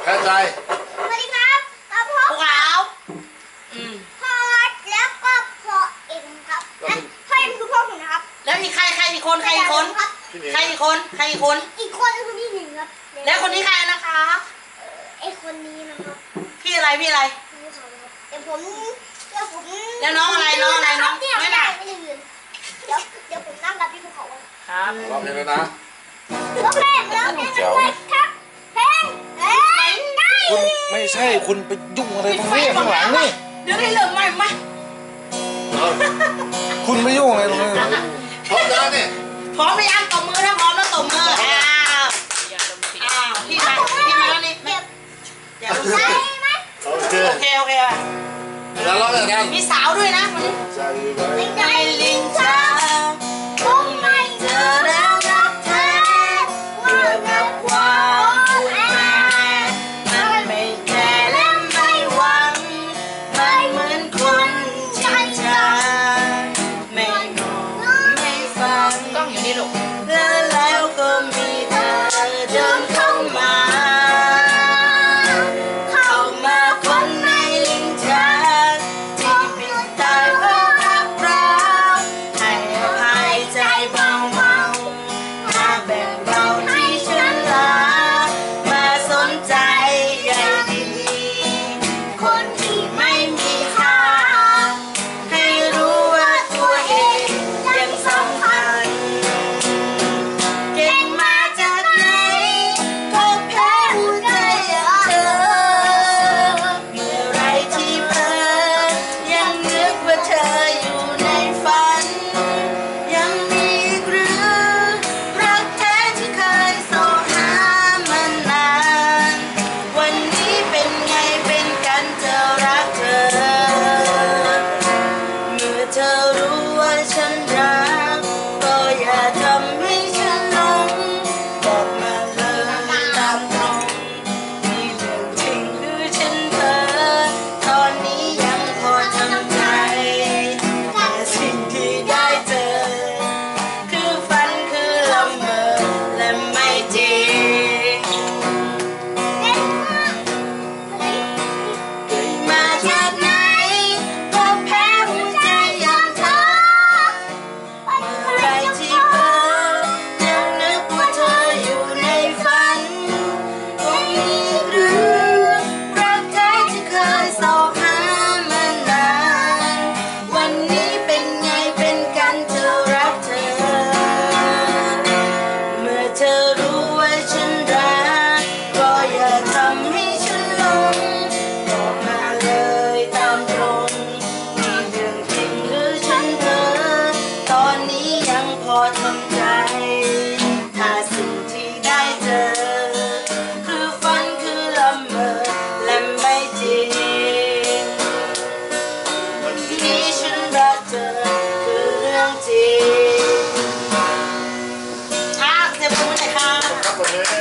แพ้ใจสวัสดีครับพวกเราพ่อแล้วก็พ่อเอ็มครับพ่อเอ็มคือพ่อผมนะครับแล้วมีใครอีกคนอีกคนคือพี่หนึ่งครับแล้วคนนี้ใครนะคะไอคนนี้นะครับพี่อะไรพี่เขาครับเดี๋ยวผมแล้วน้องอะไรไม่ได้เดี๋ยวผมนั่งกับพี่ภูเขาครับร้องเพลงเลยนะร้องเพลงครับเพลงคุณไม่ใช่คุณไปยุ่งอะไรตรงนี้ข้างหลังนี่เดี๋ยวให้เริ่มใหม่มาคุณไม่ยุ่งอะไรตรงนี้พร้อมแล้วนี่พร้อมหรือยังตบมือถ้าพร้อมแล้วตบมือพี่มาแล้วนี่อย่าลุกใช่ไหมโอเคแล้วร้องอย่างนั้นมีสาวด้วยนะวันนี้ใจลิงช้าคงไม่เจอแล้วรักแท้เมื่อกับความแอบมันไม่แก่และไม่หวังไม่เหมือนคนชินชาไม่งงไม่ฟังกล้องอยู่นี่ลูกแล้วก็มีเธอเดินเข้ามาคนในลิ้นชักที่ปิดตาเพราะรักเราให้อภัยใจเบามาแบ่งเบาที่ฉันลามาสนใจใยดีคนที่ไม่มีค่าให้รู้ว่าตัวเองยังสำคัญเก่งมาจากไหนก็แพ้หัวใจอย่างเธอเมื่อไรที่เพ้อยังนึกว่าเธออยู่ในฝันยังมีหรือรักแท้ที่เคยโศกหามานานวันนี้เป็นไงเป็นกันเธอรักเธอเมื่อเธอรู้ว่าฉันรักก็อย่าทำให้ฉันหลงบอกมาเลยตามตรงนี่เรื่องจริงหรือฉันเพ้อตอนนี้ยังพอทำใจแต่สิ่งที่ได้เจอคือฝันคือละเมอและไม่จริงมาจากไหนก็แพ้หัวใจอย่างเธอเมื่อไรที่เพ้อยังนึกว่าเธออยู่ในฝันคงมีหรือรักแท้ที่เคยโศกหามานานวันนี้เป็นไงเป็นกันเธอรักเธอเมื่อเธอรู้ว่าฉันรักก็อย่าทำให้ฉันหลงบอกมาเลยตามตรงนี่เรื่องจริงหรือฉันเพ้อตอนนี้ยังพอทำใจถ้าสิ่งที่ได้เจอคือฝันคือละเมอและไม่จริงวันนี้ฉันรักเธอคือเรื่องจริงเสียบมือหน่อยค่ะ